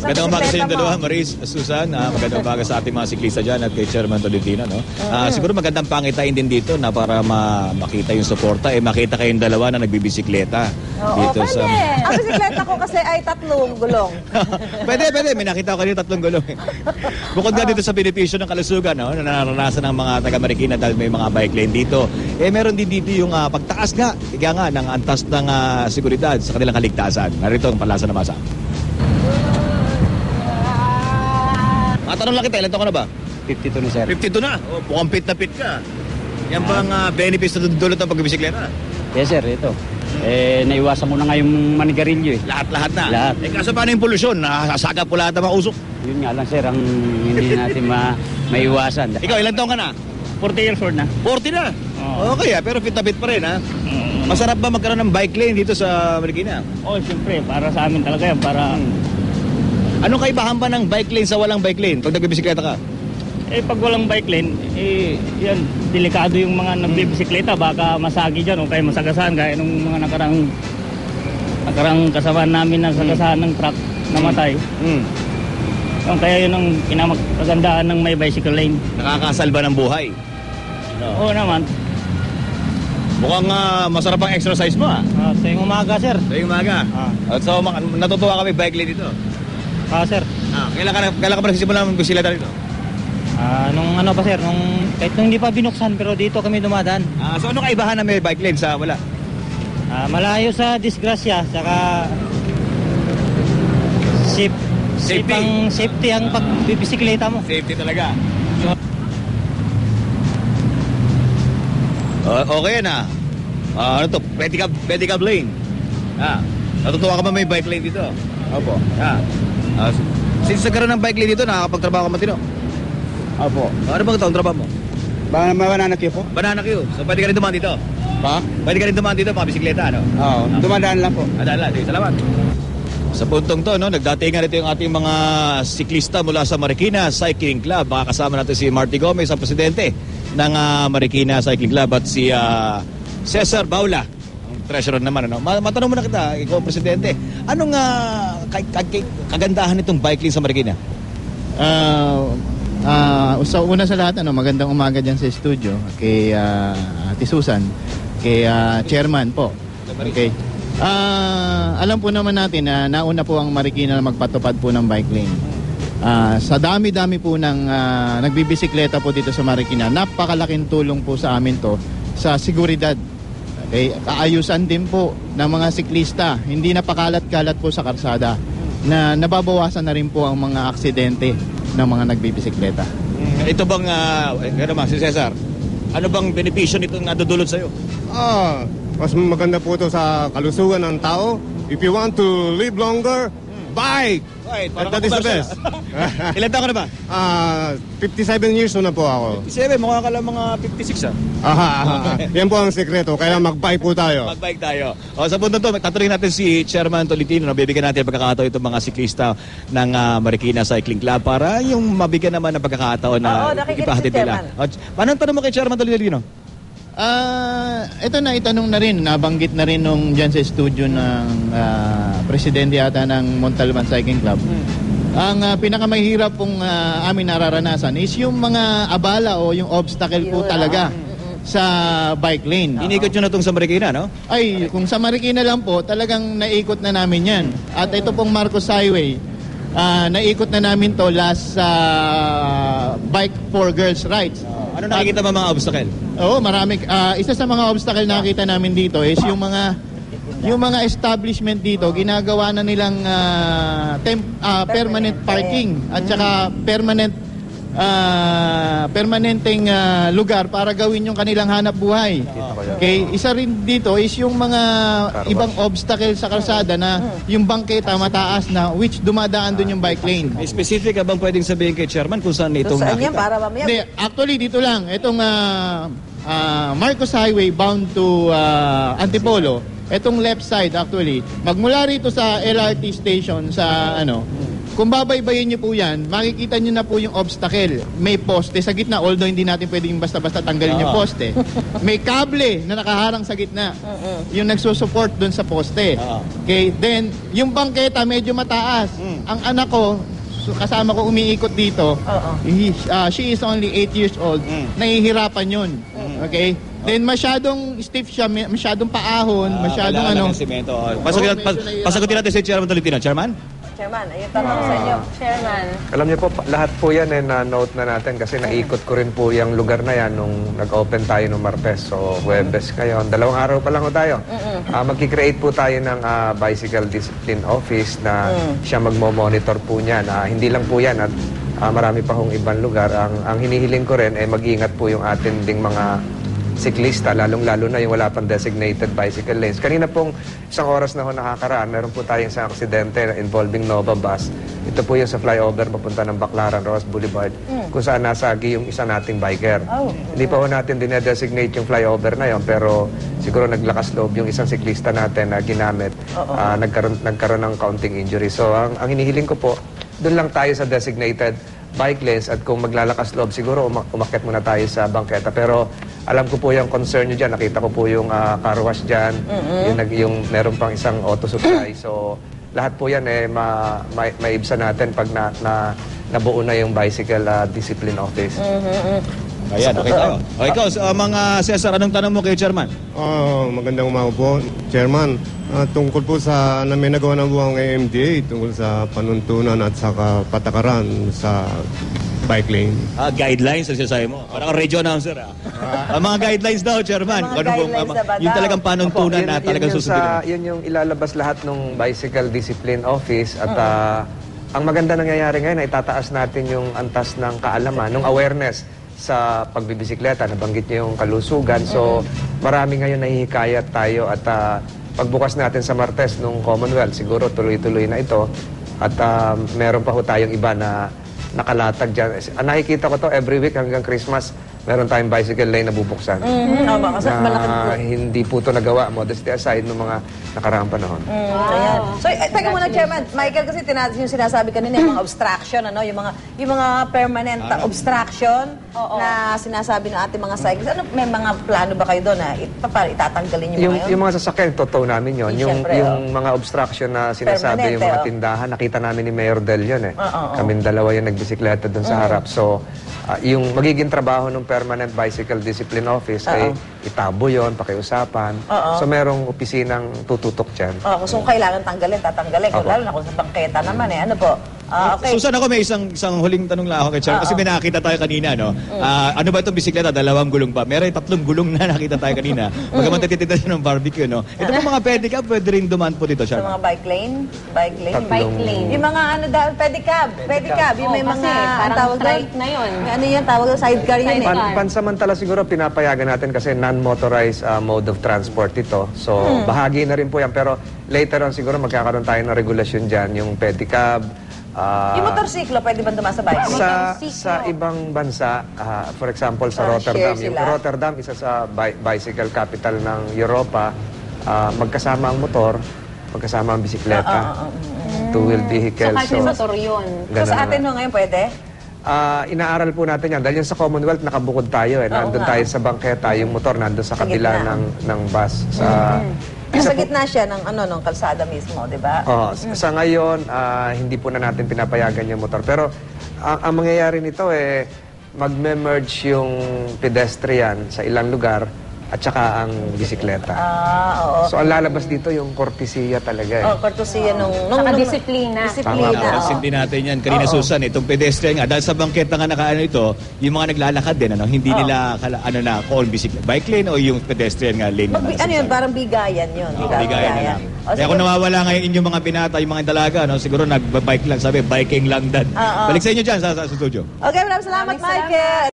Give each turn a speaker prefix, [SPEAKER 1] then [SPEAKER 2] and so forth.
[SPEAKER 1] Magandang umaga sa inyong
[SPEAKER 2] bisikleta mo.
[SPEAKER 1] dalawa, Maris, Susan. Magandang umaga sa ating mga siklista dyan at kay Chairman Tolentino. No? Siguro magandang pangitain din dito na para makita yung suporta, makita kayong dalawa na nagbibisikleta.
[SPEAKER 2] Oo,
[SPEAKER 1] Dito
[SPEAKER 2] pwede. Ang bisikleta ko kasi ay 3 gulong.
[SPEAKER 1] Pwede. May nakita ko kanina 3 gulong. Bukod nga dito sa benepisyo ng kalusugan, no, na naranasan ng mga taga-Marikina dahil may mga bike lane dito. Meron din dito yung pagtaas nga, ng antas ng seguridad sa kanilang kaligtasan. Narito ang palasa na masa. Matanong lang kita, ilan taon ka na ba?
[SPEAKER 3] 52 na, sir.
[SPEAKER 1] 52 na. Mukhang fit na fit ka. Yan bang benefits na dudulot ng pagbibisikleta?
[SPEAKER 3] Yes, sir, ito. Naiwasan mo na nga yung manigarilyo eh.
[SPEAKER 1] Lahat na.
[SPEAKER 3] Lahat.
[SPEAKER 1] Kaso paano yung polusyon? Nakasagap po lahat ng mga usok.
[SPEAKER 3] Yun nga lang, sir, ang hindi natin maiwasan.
[SPEAKER 1] Ikaw, ilan taon ka na?
[SPEAKER 3] 40 years old na.
[SPEAKER 1] 40 na.
[SPEAKER 3] Oo.
[SPEAKER 1] Okay, pero fit na fit pa rin, ha? Masarap ba magkaroon ng bike lane dito sa Marikina?
[SPEAKER 3] Oh, siyempre, para sa amin talaga yan, para...
[SPEAKER 1] Anong kaibahan ba ng bike lane sa walang bike lane pag nagbibisikleta ka?
[SPEAKER 3] pag walang bike lane, yan, delikado yung mga nagbibisikleta, baka masagi dyan o kaya masagasahan, gaya nung mga nakarang kasamaan namin na sagasahan ng truck namatay. Kaya yun ang pinamagandaan ng may bicycle lane.
[SPEAKER 1] Nakakasalba ng buhay.
[SPEAKER 3] Oo naman.
[SPEAKER 1] Mukhang masarap ang exercise mo, ha?
[SPEAKER 3] Sa yung umaga, sir.
[SPEAKER 1] Sa umaga. So, natutuwa kami bike lane dito.
[SPEAKER 3] Sir.
[SPEAKER 1] Kailan ka ba nagsisimula ng bisikleta dito?
[SPEAKER 3] Nung ano pa, sir, kahit nung hindi pa binuksan, pero dito kami dumadaan.
[SPEAKER 1] So, ano kaibahan na may bike lane sa wala?
[SPEAKER 3] Malayo sa disgrasya, saka safety ang pagbibisikleta mo.
[SPEAKER 1] Safety talaga. Okay na. Ano to? Pedicab lane. Natutuwa ka ba may bike lane dito?
[SPEAKER 3] Opo.
[SPEAKER 1] Since nagkaroon ng bike lane dito, nakakapagtrabaho ka matino?
[SPEAKER 3] Opo.
[SPEAKER 1] Ano bang taong trabaho mo?
[SPEAKER 3] Banana queue po?
[SPEAKER 1] Banana queue. So pwede ka rin dumaan dito?
[SPEAKER 3] Pa?
[SPEAKER 1] Pwede ka rin dumaan dito, mga bisikleta, ano?
[SPEAKER 3] Oo. Dumadaan lang po.
[SPEAKER 1] Sige, salamat. Sa puntong to, no, nagdatingan ito yung ating mga siklista mula sa Marikina Cycling Club. Makakasama natin si Marty Gomez, ang presidente ng Marikina Cycling Club, at si Cesar Baula, ang treasurer naman. Ano? Matanong mo na kita, ikaw presidente, anong kagandahan nitong bike lane sa Marikina?
[SPEAKER 4] So una sa lahat, magandang umaga dyan sa studio kay Ate Susan, kay chairman po. Okay. Alam po naman natin na nauna po ang Marikina na magpatupad po ng bike lane. Sa dami-dami po ng nagbibisikleta po dito sa Marikina, napakalaking tulong po sa amin to sa seguridad. Okay? Kaayusan din po ng mga siklista, hindi napakalat-kalat po sa karsada, na nababawasan na rin po ang mga aksidente ng mga nagbibisikleta.
[SPEAKER 1] Ito bang, si Cesar, ano bang benepisyo nito na dudulot sa'yo?
[SPEAKER 5] Mas maganda po ito sa kalusugan ng tao. If you want to live longer, bike!
[SPEAKER 1] Right,
[SPEAKER 5] That is the best.
[SPEAKER 1] Ilan taon ka na ba?
[SPEAKER 5] 57 years na po ako.
[SPEAKER 1] 7, mukha ka lang mga 56,
[SPEAKER 5] Yan po ang sekreto. Kaya mag-bike po tayo.
[SPEAKER 1] Mag-bike tayo. Sa punto to, tatanungin natin si Chairman Tolentino. Bibigyan natin ang pagkakataon itong mga siklista ng Marikina Cycling Club para yung mabigyan naman ng pagkakataon na ipahatid nila. Paano tanong mo kay Chairman Tolentino?
[SPEAKER 4] Ito na itanong na rin, nabanggit na rin nung dyan sa studio ng presidente yata ng Montalban Cycling Club. Ang pinakamahirap pong amin nararanasan is yung mga abala o yung obstacle po talaga sa bike lane.
[SPEAKER 1] Inikot nyo na itong sa Marikina, no?
[SPEAKER 4] Ay, kung sa Marikina lang po, talagang naikot na namin yan. At ito pong Marcos Highway, naikot na namin to last sa Bike for Girls Rights.
[SPEAKER 1] Ano nakikita mo mga obstacle?
[SPEAKER 4] Oo, marami. Isa sa mga obstacle na nakita namin dito is yung mga establishment dito, ginagawa na nilang permanent parking at saka permanenteng lugar para gawin yung kanilang hanap buhay. Okay, isa rin dito is yung mga ibang obstacle sa kalsada na yung bangketa mataas na which dumadaan dun yung bike lane.
[SPEAKER 1] May specific ka bang pwedeng sabihin kay Chairman kung saan itong
[SPEAKER 2] Saan yan
[SPEAKER 1] nakita?
[SPEAKER 2] para mamaya?
[SPEAKER 4] Hindi, actually dito lang. Itong Marcos Highway bound to Antipolo. Itong left side actually. Magmula rito sa LRT station sa Kung babaybayin nyo po yan, makikita nyo na po yung obstacle. May poste sa gitna, although hindi natin pwedeng basta-basta tanggalin yung poste. May kable na nakaharang sa gitna. Yung nagsusupport dun sa poste. Okay, then, yung bangketa medyo mataas. Ang anak ko, kasama ko umiikot dito, she is only 8 years old. Nahihirapan yun. Okay? Then masyadong stiff siya, masyadong paahon, masyadong ano.
[SPEAKER 1] Semento.
[SPEAKER 4] medyo
[SPEAKER 1] Pasagutin natin si Chairman Tolentino. Chairman?
[SPEAKER 2] Chairman, ayun tanong sa inyo. Chairman.
[SPEAKER 6] Alam niyo po, lahat po yan na-note na natin kasi naikot ko rin po yung lugar na yan nung nag-open tayo nung Martes. So, Huwebes ngayon. 2 araw pa lang ho tayo. Magkikreate po tayo ng Bicycle Discipline Office na siya magmo-monitor po niyan. Hindi lang po yan at marami pa hong ibang lugar. Ang hinihiling ko rin ay mag-iingat po yung atin ding mga siklista, lalong-lalo na yung wala pang designated bicycle lanes. Kanina pong 1 oras na ho nakakaraan, meron po tayong isang aksidente involving Nova Bus. Ito po yung sa flyover papunta ng Baclaran, Ross Boulevard, kung saan nasagi yung isa nating biker. Hindi pa ho natin dinedesignate yung flyover na yon, pero siguro naglakas loob yung isang siklista natin na ginamit. Nagkaroon ng counting injury. So, ang hinihiling ko po, doon lang tayo sa designated bike lanes at kung maglalakas loob, siguro umakyat muna tayo sa bangketa. Pero alam ko po yung concern nyo dyan. Nakita ko po yung car wash dyan. Yung meron pang isang auto supply. So, lahat po yan maibsan natin pag nabuo na yung Bicycle Discipline Office.
[SPEAKER 1] Ayan, okay tayo. O ikaw, mga Cesar, anong tanong mo kay Chairman?
[SPEAKER 5] Magandang umaga po, Chairman. Tungkol po sa may nagawa ng buwang MMDA tungkol sa panuntunan at sa patakaran sa bike lane.
[SPEAKER 1] Guidelines ang sinasabi mo. Parang radio announcer. Ang mga guidelines daw, Chairman.
[SPEAKER 2] Mga guidelines na ba
[SPEAKER 1] yung
[SPEAKER 2] daw?
[SPEAKER 1] talagang panuntunan na talagang susundin.
[SPEAKER 6] Yun yung ilalabas lahat ng Bicycle Discipline Office at ang maganda nangyayari ngayon ay tataas natin yung antas ng kaalaman, ng awareness sa pagbibisikleta. Nabanggit niyo yung kalusugan. So, marami ngayon nahihikayat tayo at pagbukas natin sa Martes nung Commonwealth, siguro tuloy-tuloy na ito. At meron pa ho tayong iba na nakalatag dyan. Nakikita ko to every week hanggang Christmas, meron tayong bicycle lane na bubuksan.
[SPEAKER 2] Kasi malaki po.
[SPEAKER 6] Hindi po ito nagawa, modesty aside, ng mga nakaraang panahon.
[SPEAKER 2] Ayan. So, teka muna, Chairman. Michael, kasi yung sinasabi kanina, yung mga obstruction, ano, yung mga permanent obstruction na sinasabi ng ating mga cyclists. Ano, may mga plano ba kayo doon na itatanggalin yung mga yun?
[SPEAKER 6] Yung mga sasakyan, totoo namin yun. Yung mga obstruction na sinasabi,
[SPEAKER 2] Permanente,
[SPEAKER 6] yung mga tindahan, nakita namin ni Mayor Del yun eh. Kaming dalawa yung nagbisikleta doon sa harap. So, yung magiging trabaho ng Permanent Bicycle Discipline Office ay itabo yon, pakiusapan. So, merong opisinang tututok dyan.
[SPEAKER 2] Kung kailangan tanggalin, tatanggalin. Lalo na kung sa bangketa naman eh. Ano po? Okay.
[SPEAKER 1] Susan, ako may isang huling tanong lang ako kay Chairman. Kasi may nakita tayo kanina, no? Ano ba itong bisikleta? 2 gulong ba? Meron 3 gulong na nakita tayo kanina. Bagaman tititinda siya ng barbecue, no? Ito po mga pedicab, pwede rin dumaan po dito,
[SPEAKER 2] Sa
[SPEAKER 1] Chairman.
[SPEAKER 2] mga bike lane? Bike lane?
[SPEAKER 6] Tatlong-
[SPEAKER 2] Yung mga ano dahil pedicab. Yung may mga
[SPEAKER 7] parang
[SPEAKER 2] tawag doon?
[SPEAKER 7] strike na yun.
[SPEAKER 2] Ano yun? Tawag doon? Sidecar yun eh.
[SPEAKER 6] Pansamantala siguro pinapayagan natin kasi non-motorized mode of transport ito. So, bahagi na rin po yan. Pero later on siguro magkakaroon tayo ng regulasyon dyan. Yung pedicab.
[SPEAKER 2] Yung motorsiklo, pwede ba dumaan sa bike lane?
[SPEAKER 6] Sa ibang bansa, for example sa
[SPEAKER 2] share
[SPEAKER 6] Rotterdam.
[SPEAKER 2] sila.
[SPEAKER 6] Yung Rotterdam, isa sa bicycle capital ng Europa. Magkasama ang motor, magkasama ang bisikleta. Two-wheel vehicle.
[SPEAKER 7] So, kahit may motor yun.
[SPEAKER 2] So sa atin ngayon pwede?
[SPEAKER 6] Inaaral po natin yan. Dahil yung sa Commonwealth, nakabukod tayo eh. Nandun tayo sa bangketa, yung motor nandun sa kabila
[SPEAKER 2] gitna.
[SPEAKER 6] ng bus.
[SPEAKER 2] Sa gitna siya ng kalsada mismo, di ba?
[SPEAKER 6] Sa ngayon, hindi po na natin pinapayagan yung motor. Pero ang mangyayari nito magme-merge yung pedestrian sa ilang lugar at saka ang bisikleta.
[SPEAKER 2] Oo.
[SPEAKER 6] So ang lalabas dito yung kortesiya talaga eh.
[SPEAKER 2] Kortesiya
[SPEAKER 7] Saka disiplina.
[SPEAKER 2] Disiplina.
[SPEAKER 1] Napansin din natin yan. Kanina, Susan, itong pedestrian nga, dahil sa bangketa nga nakaano ito, yung mga naglalakad din, hindi nila, call bisikleta, bike lane o yung pedestrian nga lane.
[SPEAKER 2] Ano yun? Parang bigayan yun.
[SPEAKER 1] Bigayan na lang. Kaya kung nawawala ngayon yung mga binata, yung mga dalaga, siguro nag-bike lang, biking lang dan. Balik sa inyo dyan sa studio.
[SPEAKER 2] Okay, maraming salamat, Michael.